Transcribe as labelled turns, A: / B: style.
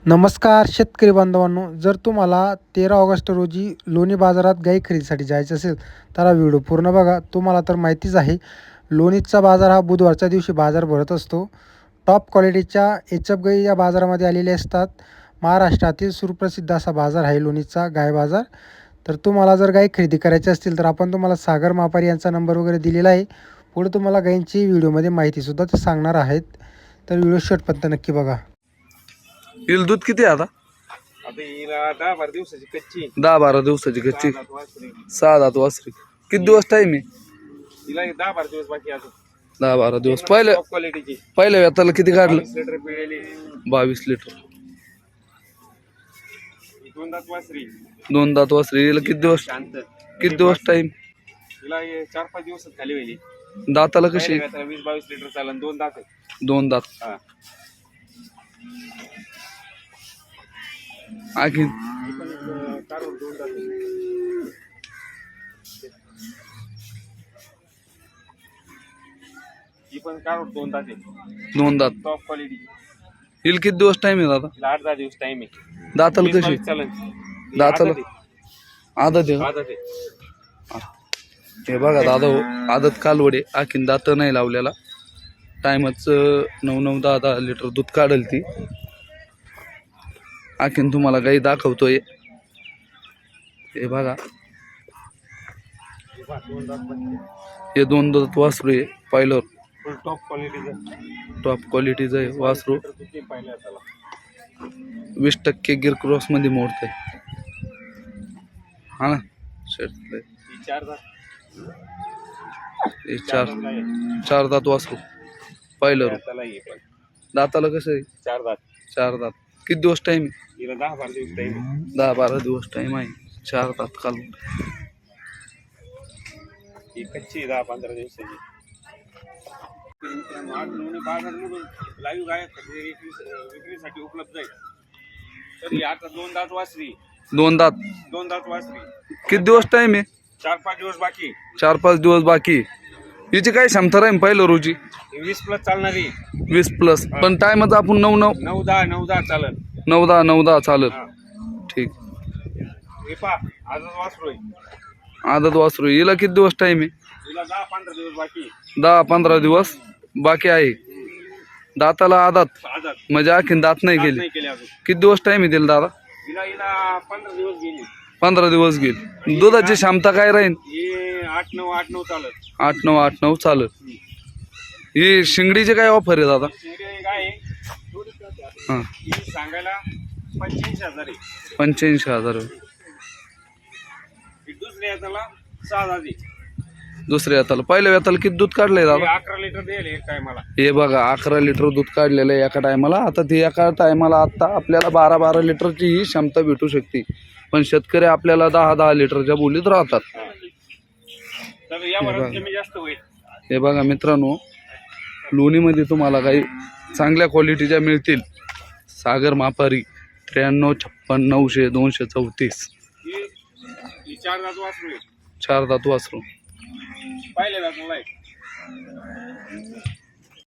A: नमस्कार शेतकरी बांधवांनो, जर तुम्हाला 13 ऑगस्ट रोजी लोणी बाजारात गाई खरेदीसाठी जायचं असेल तर हा व्हिडिओ पूर्ण बघा. तुम्हाला तर माहितीच आहे, लोणीचा बाजार हा बुधवारच्या दिवशी बाजार भरत असतो. टॉप क्वालिटीच्या एचएफ गाई या बाजारामध्ये आलेल्या असतात. महाराष्ट्रातील सुप्रसिद्ध असा बाजार आहे लोणीचा गाय बाजार. तर तुम्हाला जर गाई खरेदी करायची असतील तर आपण तुम्हाला सागर मापारी यांचा नंबर वगैरे दिलेला आहे. पुढे तुम्हाला गायींची व्हिडिओमध्ये माहितीसुद्धा ते सांगणार आहेत. तर व्हिडिओ शेवटपर्यंत नक्की बघा.
B: हिल दूध किती आहे आता?
C: आता हिला 10-12 दिवसाची कच्ची
B: 10-12 दिवसाची कच्ची 6 दात वासरी. किती दिवस टाइम आहे?
C: हिला 10-12 दिवस बाकी अजून
B: 10-12 दिवस. पहिल्या
C: टॉप क्वालिटीची
B: व्यताला किती काढलं?
C: 20 लिटर पिळेली
B: 22 लिटर.
C: ही 2 दात वासरी
B: 2 दात वासरी. हिला किती दिवस
C: शांत.
B: टाइम?
C: हिला 4-5 दिवसात खाली वेली
B: दाताला कशी?
C: 20-22 लिटर चालन 2 दात आहे.
B: 2 दात.
C: हा
B: आणखी
C: ही पण काढून 2 दात आहे. ही पण काढून 2 दात आहे.
B: 2 दात.
C: टॉप क्वालिटीची
B: हिल किती दिवस टाइम आहे दादा?
C: हिला 8-10 दिवस टाइम आहे.
B: दाताला कशी?
C: 20-22 चालन.
B: दाताला आदत आहे का?
C: आदत आहे.
B: हे बघा दादा हो, आदत कालवडे. आणखीन दात नाही लावलेला. टायमच 9-9, 10-10 लिटर दूध काढेल ती. आणखीन तुम्हाला गाई दाखवतोय. हे बघा,
C: ही 2 दात बच्चे.
B: हे 2 दात वासरू आहे. पाहिलं
C: फुल टॉप क्वालिटीचं
B: टॉप क्वालिटीचं आहे वासरू.
C: किती पाहिलं त्याला
B: 20% गिर क्रॉस मध्ये मोडत आहे. हा ना शेट.
C: ही 4 दात
B: हे चार दात वासरू. पाहिलं
C: त्याला ही पण
B: दाताला कसं आहे?
C: 4 दात
B: 4 दात. किती दिवस टाइम आहे?
C: हिला 10-12 दिवस टाइम
B: 10-12 दिवस टाइम आहे. 4 दात काल.
C: ही कच्ची 10-15 दिवसाची. बाजारमधून लाईव्ह गाय विक्रीसाठी उपलब्ध आहे. तर ही आता 2 दात वासरी
B: 2 दात.
C: 2 दात वासरी.
B: किती दिवस टाइम आहे?
C: 4-5 दिवस बाकी.
B: 4-5 दिवस बाकी. हिची काय क्षमता राहील पहिलं रोजी?
C: 20+ चालणारी
B: 20+. पण टाइमच आपण 9-9,
C: 9-10 चालन.
B: 9-10 चालत.
C: हा.
B: ठीक.
C: हे पहा आजच वासरू आहे.
B: आदत वासरू. हिला किती दिवस टाइम आहे?
C: हिला 10-15 दिवस बाकी.
B: 10-15 दिवस बाकी आहे. दाताला आदत
C: आजात
B: म्हणजे आणखीन दात नाही गेले.
C: नाही केले अजून.
B: किती दिवस टाइम आहे तिला दादा?
C: हिला 15 दिवस गेली.
B: 15 दिवस गेले. दुधाची क्षमता काय राहील?
C: हे 8-9 चालत.
B: 8-9 चालत. ही शिंगडीची काय ऑफर आहे दादा?
C: शिंगडी गाय आहे.
B: हां,
C: ही सांगायला 85,000 आहे.
B: 85,000.
C: ही दुसऱ्या याला 6,000 आहे.
B: दुसऱ्या हाताला. पहिल्या हाताला किती दूध काढलंय
C: हे
B: दादा?
C: 11 लिटर देईल एक टायमाला.
B: हे बघा 11 लिटर दूध काढलेलं आहे एका टायमाला. आता ती एका टायमाला आता आपल्याला 12-12 लिटरची ही क्षमता भेटू शकते. पण शेतकरी आपल्याला 10-10 लिटरच्या बोलीत राहतात.
C: तर यावर कमी जास्त होईल.
B: हे बघा मित्रांनो, लोणीमध्ये तुम्हाला काही चांगल्या क्वालिटीच्या मिळतील. सागर मापारी 93 56 900 234.
C: ही 4 दात वासरू आहे.
B: 4 दात वासरू.
C: पाहिले जात नाही.